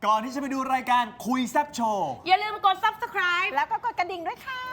ก่อนที่จะไปดูรายการคุยแซบโชว์อย่าลืมกด subscribe แล้วก็กดกระดิ่งด้วยค่ะ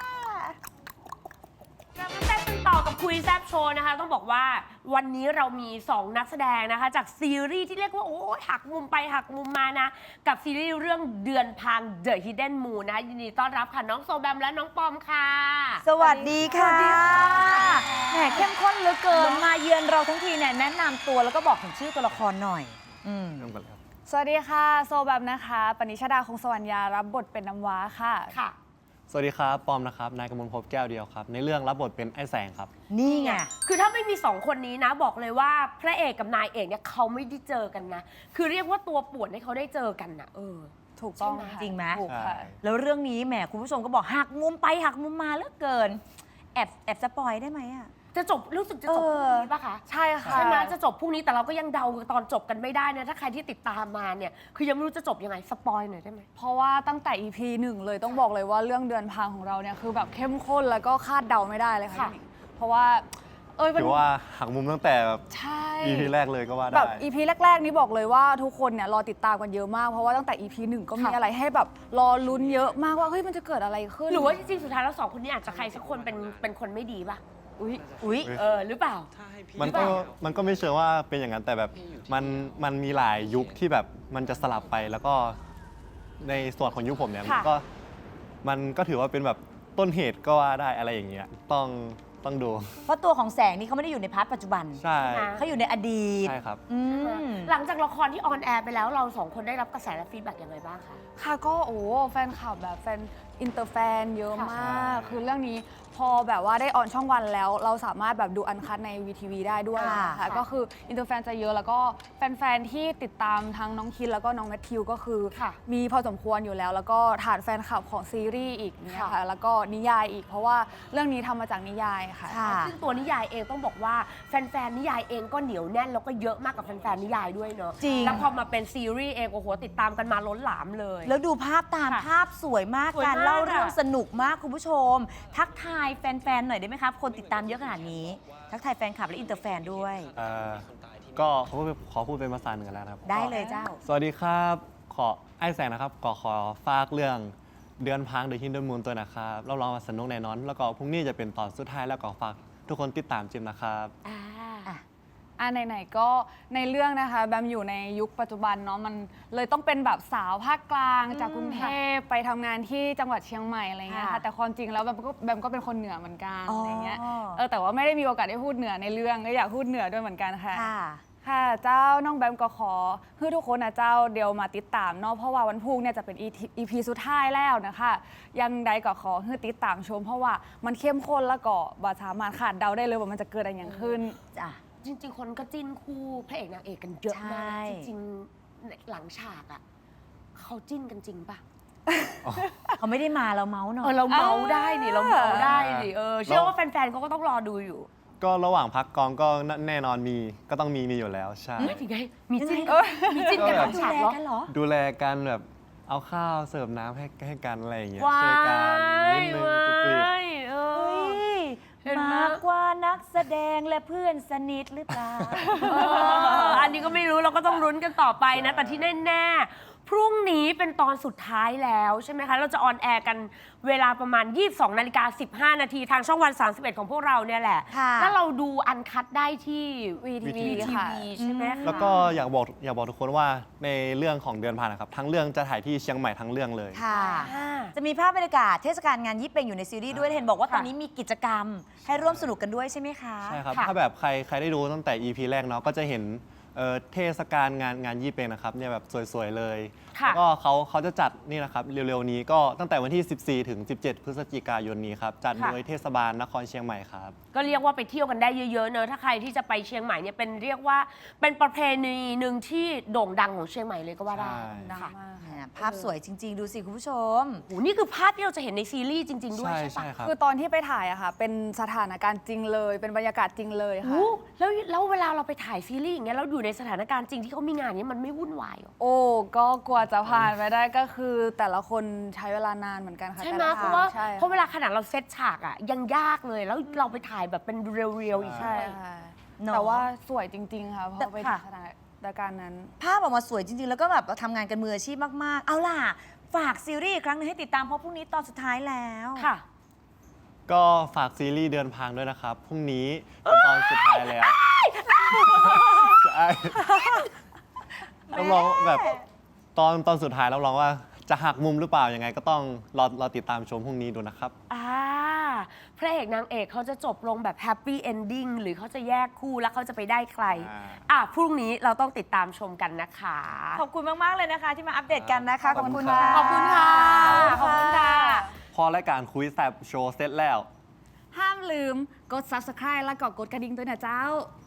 เรามาแซ่บกันต่อกับคุยแซบโชว์นะคะต้องบอกว่าวันนี้เรามี 2 นักแสดงนะคะจากซีรีส์ที่เรียกว่าโอ้ยหักมุมไปหักมุมมานะกับซีรีส์เรื่องเดือนพัง The Hidden Moon นะคะยินดีต้อนรับค่ะน้องโซแบมและน้องปอมค่ะสวัสดีค่ะสวัสดีค่ะแหมเข้มข้นเหลือเกินมาเยือนเราทั้งทีเนี่ยแนะนำตัวแล้วก็บอกถึงชื่อตัวละครหน่อยสวัสดีค่ะโซแบมนะคะปณิชดาคงสวรรณยารับบทเป็นน้ำว้าค่ะค่ะสวัสดีครับ ปอมนะครับ นายกมลภพแก้วเดียวครับ ในเรื่องรับบทเป็นไอ้แสงครับนี่ไงคือถ้าไม่มี 2 คนนี้นะบอกเลยว่าพระเอกกับนายเอกเนี่ยเขาไม่ได้เจอกันนะคือเรียกว่าตัวป่วนให้เขาได้เจอกันนะถูกต้องใช่ไหมค่ะจริงไหมถูกค่ะใช่แล้วเรื่องนี้แหมคุณผู้ชมก็บอกหักมุมไปหักมุมมาเหลือเกิน แอบสปอยได้ไหมอะจะจบรู้สึกจะจบพรุ่งนี้ปะคะใช่ค่ะใช่ไหมจะจบพรุ่งนี้แต่เราก็ยังเดาตอนจบกันไม่ได้นะถ้าใครที่ติดตามมาเนี่ยคือยังไม่รู้จะจบยังไงสปอยหน่อยได้ไหมเพราะว่าตั้งแต่ EP 1 เลยต้องบอกเลยว่าเรื่องเดือนพังของเราเนี่ยคือแบบเข้มข้นแล้วก็คาดเดาไม่ได้เลยค่ะค่ะพี่หนิงเพราะว่ามันถือว่าหักมุมตั้งแต่แบบใช่ EP แรกเลยก็ว่าแบได้บ EP แรกๆนี้บอกเลยว่าทุกคนเนี่ยรอติดตามกันเยอะมากเพราะว่าตั้งแต่ EP 1 ก็มีอะไรให้แบบรอลุ้นเยอะมากว่าเฮ้ยมันจะเกิดอะไรขึ้นหรือว่าจริงๆสุดท้ายแล้ว2 คนนี้อาจจะใครสักคนเป็นคนไม่ดีป่ะอุ๊ยหรือเปล่ามันก็ไม่เชิงว่าเป็นอย่างนั้นแต่แบบมันมีหลายยุคที่แบบมันจะสลับไปแล้วก็ในส่วนของยุคผมเนี่ยค่ะมันก็ถือว่าเป็นแบบต้นเหตุก็ว่าได้อะไรอย่างเงี้ยต้องดูเพราะตัวของแสงนี่เขาไม่ได้อยู่ในพาร์ทปัจจุบันใช่เขาอยู่ในอดีตใช่ครับอืมหลังจากละครที่ออนแอร์ไปแล้วเรา2 คนได้รับกระแสและฟีดแบ็กยังไงบ้างคะค่ะก็แฟนคลับแบบแฟนอินเตอร์แฟนเยอะมากใช่คือเรื่องนี้พอแบบว่าได้ออนช่องวันแล้ว เราสามารถแบบดูอันคัดใน VTV ได้ด้วยค่ะนะคะก็คืออินเตอร์แฟนจะเยอะแล้วก็แฟนๆที่ติดตามทั้งน้องคินแล้วก็น้องแมทธิวก็คือค่ะมีพอสมควรอยู่แล้ว แล้วก็ฐานแฟนคลับของซีรีส์อีกเนี่ยค่ะค่ะแล้วก็นิยายอีก เพราะว่าเรื่องนี้ทำมาจากนิยายค่ะค่ะซึ่งตัวนิยายเองต้องบอกว่าแฟนๆนิยายเองก็เหนียวแน่นแล้วก็เยอะมากกับแฟนๆนิยายด้วยเนอะจริงแล้วพอมาเป็นซีรีส์เองโอ้โหติดตามกันมาล้นหลามเลยแล้วดูภาพตามค่ะภาพสวยมากสวยมากการเล่าเรื่องอะสนุกมากคุณผู้ชม ทักทายแฟนๆหน่อยได้ไหมครับ คนติดตามเยอะขนาดนี้ ทักทายแฟนคลับและอินเตอร์แฟนด้วยก็ขอพูดเป็นภาษาเหนือแล้วนะครับได้เลยเจ้าสวัสดีครับไอ้แสงนะครับก็ขอฝากเรื่องเดือนพัง The Hidden Moon ตัวนะครับรับรองว่าสนุกแน่นอน แล้วก็พรุ่งนี้จะเป็นตอนสุดท้ายแล้วก็ฝากทุกคนติดตามจิมนะครับไหนๆก็ในเรื่องนะคะแบมอยู่ในยุคปัจจุบันเนาะมันเลยต้องเป็นแบบสาวภาคกลางจากกรุงเทพไปทำงานที่จังหวัดเชียงใหม่อะไรเงี้ยค่ะค่ะแต่ความจริงแล้วแบมก็เป็นคนเหนือเหมือนกันอ๋อออะไรเงี้ยแต่ว่าไม่ได้มีโอกาสได้พูดเหนือในเรื่องก็อยากพูดเหนือด้วยเหมือนกันค่ะค่ะค่ะเจ้าน้องแบมก็ขอให้ทุกคนนะเจ้าเดียวมาติดตามเนาะเพราะว่าวันพรุ่งเนี่ยจะเป็น EP สุดท้ายแล้วนะคะยังใดก็ขอให้ติดตามชม เพราะว่ามันเข้มข้นแล้วก็บ่สามารถขาดเดาได้เลยว่ามันจะเกิดอะไรอย่างขึ้นจ้ะจริงๆ คนก็จิ้นคู่พระเอกนางเอกกันเยอะมากใช่จริงๆหลังฉากอ่ะเขาจิ้นกันจริงป่ะเขาไม่ได้มาเราเมาส์หน่อยเราเมาได้ดิเราเมาได้ดิเชื่อว่าแฟนๆเขาก็ต้องรอดูอยู่ก็ระหว่างพักกองก็แน่นอนก็ต้องมีอยู่แล้วใช่ไม่ถึงไงมีจิ้นยังไงมีจิ้นกันหลังดูฉากแลเหรอกันเหรอดูแลกันแบบเอาข้าวเสิร์ฟน้ำให้กันอะไรอย่างเงี้ยว้าช่วยกันนิดนึงตุกติกยเอเฮ้อย เห็นไหมมากกว่านักแสดงและเพื่อนสนิทหรือเปล่าอันนี้ก็ไม่รู้เราก็ต้องลุ้นกันต่อไปนะ แต่ที่แน่ๆพรุ่งนี้เป็นตอนสุดท้ายแล้วใช่ไหมคะ เราจะออนแอร์กันเวลาประมาณ 22:15 นาทีทางช่องวัน 31 ของพวกเราเนี่ยแหละค่ะถ้าเราดูอันคัดได้ที่ VTV ทีค่ะวีใช่ไหมคะแล้วก็อยากบอกทุกคนว่าในเรื่องของเดือนผ่านนะครับ ทั้งเรื่องจะถ่ายที่เชียงใหม่ทั้งเรื่องเลยค่ะอ่าจะมีภาพบรรยากาศเทศกาลงานยี่เป็งอยู่ในซีรีส์ด้วยเห็นบอกว่าค่ะตอนนี้มีกิจกรรม ให้ร่วมสนุกกันด้วยใช่ไหมคะใช่ครับค่ะถ้าแบบใครได้ดูตั้งแต่ EP แรกเนาะก็จะเห็นเทศกาลงานยี่เป็งนะครับเนี่ยแบบสวยๆเลยค่ะแล้วก็เขาจะจัดนี่นะครับเร็วๆนี้ก็ตั้งแต่วันที่ 14 ถึง 17 พฤศจิกายนนี้ครับจัดค่ะโดยเทศบาลนครเชียงใหม่ครับก็เรียกว่าไปเที่ยวกันได้เยอะๆเนอะถ้าใครที่จะไปเชียงใหม่เนี่ยเป็นเรียกว่าเป็นประเพณีหนึ่งที่โด่งดังของเชียงใหม่เลยก็ว่าได้ใช่ดังค่ะมากแหค่ะมภาพสวยจริง ๆ ดูสิคุณผู้ชมโหนี่คือภาพที่เราจะเห็นในซีรีส์จริง ๆ ด้วยใช่ใช่ปะใช่ครับคือตอนที่ไปถ่ายอะค่ะ เป็นสถานการณ์จริงเลย เป็นบรรยากาศจริงเลยค่ะโอ้แล้วเวลาเราไปถ่ายซีรีส์อย่างเงี้ยเราอยู่ในสถานการณ์จริงที่เขามีงานเนี้ยมันไม่วุ่นวายเหรอโอ้ก็กว่าจะผ่านไปได้ก็คือแต่ละคนใช้เวลานานเหมือนกันค่ะใช่ไหมแต่ลเพราะว่าใช่เพราะเวลาขนาดเราเซตฉากอ่ะยังยากเลยแล้วเราไปถ่ายแบบเป็นเรียวๆอีกใช่ใช่ค่ะเนอะแต่ว่าสวยจริง ๆ ค่ะเพราะไปค่ะสถานรายการนั้นภาพออกมาสวยจริง ๆ แล้วก็แบบทำงานกันมืออาชีพมาก ๆ เอาล่ะ ฝากซีรีส์อีกครั้งหนึงให้ติดตามเพราะพรุ่งนี้ตอนสุดท้ายแล้วค่ะก็ฝากซีรีส์เดือนพังด้วยนะครับ พรุ่งนี้เป็นตอนสุดท้ายแล้วใช่รับรองแบบตอนสุดท้ายรับรองว่าจะหักมุมหรือเปล่ายังไงก็ต้องรอติดตามชมพรุ่งนี้ดูนะครับพระเอกนางเอกเขาจะจบลงแบบแฮปปี้เอนดิ้งหรือเขาจะแยกคู่แล้วเขาจะไปได้ใคร พรุ่งนี้เราต้องติดตามชมกันนะคะขอบคุณมาก ๆ เลยนะคะ ที่มาอัปเดตกันนะคะขอบคุณค่ะขอบคุณค่ะ ขอบคุณค่ะพอรายการคุยแซบโชว์เสร็จแล้วห้ามลืมกด subscribe แล้วก็กดกระดิ่งด้วยนะเจ้า